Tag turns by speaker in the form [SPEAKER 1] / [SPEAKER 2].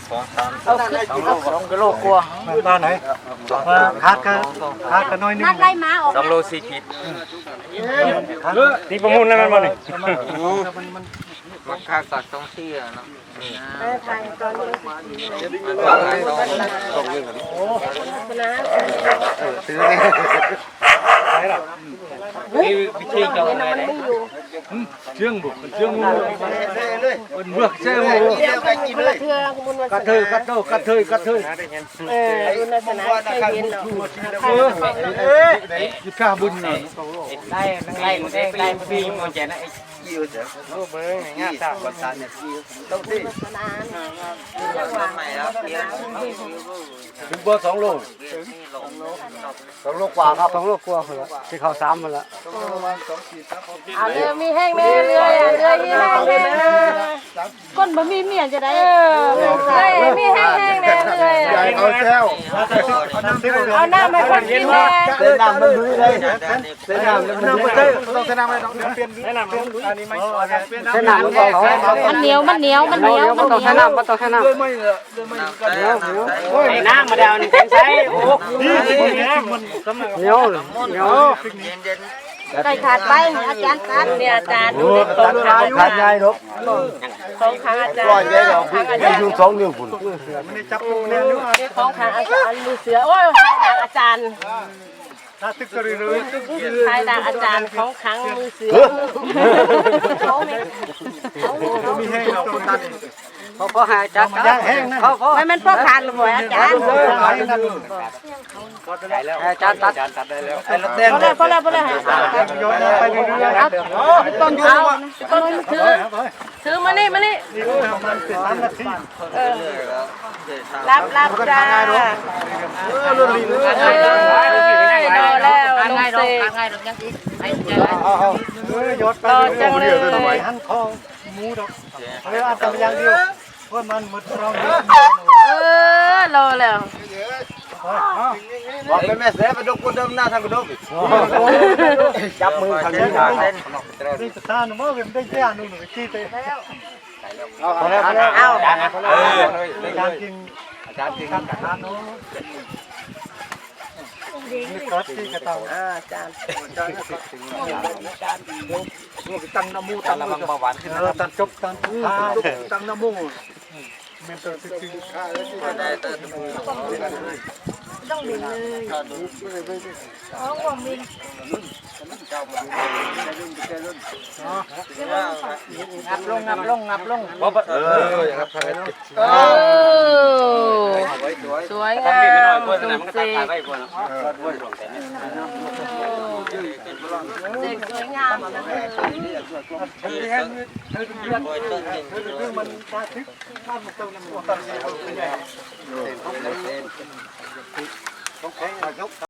[SPEAKER 1] เอา2 กิโลกว่ามาไหนขาดกันน้อยนึงนัดไล่มาออก2 โล 4 ขีดนี่ประมูลแล้วมันบ่นี่
[SPEAKER 2] มันค่าตัดต้องที่อ่ะเนาะ
[SPEAKER 1] ถ่ายตอนนี้ซื้อนี่วิธีเจ้าไงไหนเชื่องบุกเชื่องงูมันเบือกเชื่องงูกระเทยดูในสนามเคยเห็นเนาะยุค่าบุญเนาะได้ปีมันจะนะคิวเสียโอ้เบิ้งง่ายจ้าบนสานเนี่ยคิวต้องที่ใหม่แล้วถึงเบอร์2 โล2 โลกว่าครับ2 โลกว่าเหรอที่เขา3มาแล้ว
[SPEAKER 3] เรือมีแห้งแม่เรือมีแห้งแม่ก้นบะมีเมียจะได้มีแห้งแม่เรือ
[SPEAKER 1] เอาแซว
[SPEAKER 3] เอาน้ำให้คนกินแม่
[SPEAKER 1] เส้นน้ำมันลุยเลยเส้นน้ำมันเต้ต้องเส้นน้ำอะไรต้องเปลี่ยนอันนี้ไม่เส้นน้ำ
[SPEAKER 3] มันเหนียวมัน
[SPEAKER 1] ต้องเส้นน้ำน้ำมาเดานี่แข็งใช้โอ้เหนียว
[SPEAKER 3] ไก่ขาดไปอาจารย์ตัดเนี่ยอาจารย์ดู
[SPEAKER 1] ขาดใหญ่ลูก
[SPEAKER 3] 2 ครั้งอาจารย์
[SPEAKER 1] อยู่2 นิ้วคุณไม่ได้จับเนี่ย
[SPEAKER 3] 2 ครั้งอาจารย์มือเสือโอ้ยอาจารย์
[SPEAKER 1] ถ้าตึกกระดือ
[SPEAKER 3] ทายดังอาจารย์2 ครั้งมือเสือ
[SPEAKER 1] เขามีให้เราคนตัด
[SPEAKER 2] เขาหายจัด
[SPEAKER 3] ไม่มันพ่อขาดหรือเปล่าอาจารย์
[SPEAKER 2] อาจารย์ตัดได้แล้วไอ้ละเต้น
[SPEAKER 3] พอแล้ว
[SPEAKER 1] โยนไปเรื่อย
[SPEAKER 3] ๆต้นถือมานี่
[SPEAKER 1] มันเป็น3 นาที
[SPEAKER 3] รับจ้า
[SPEAKER 1] โดน
[SPEAKER 3] แล้วง่ายดอกยังอีก
[SPEAKER 1] ยศไปหันคอหมูดอกเรืออัตอย่างเดียวเพราะมันหมดเรา
[SPEAKER 3] รอแล้ว
[SPEAKER 1] บอกแม่เสียไปดกคนเดิมหน้าทางกระดกจับมือทางนี้นี่สถานเมื่อเป็นได้แค่นู่นชี้เตะเอาอาจารย์จริงอาจารย์นู้นนี่ก็ที่กระตัง
[SPEAKER 3] อาจารย์
[SPEAKER 1] ตั้งน้ำมูตั้งระวังเบาหวานขึ้นแล้วตั้งจบตั้งตั้งน้ำมูเมนเตอร์สิบข้าแล้วที่ได้
[SPEAKER 3] ต้องบินเลยของบินงับลงสวยงามตรงเซ็กสวยงาม
[SPEAKER 1] มันตาทิพย์ข้ามตรงนั้นต้องแข็ง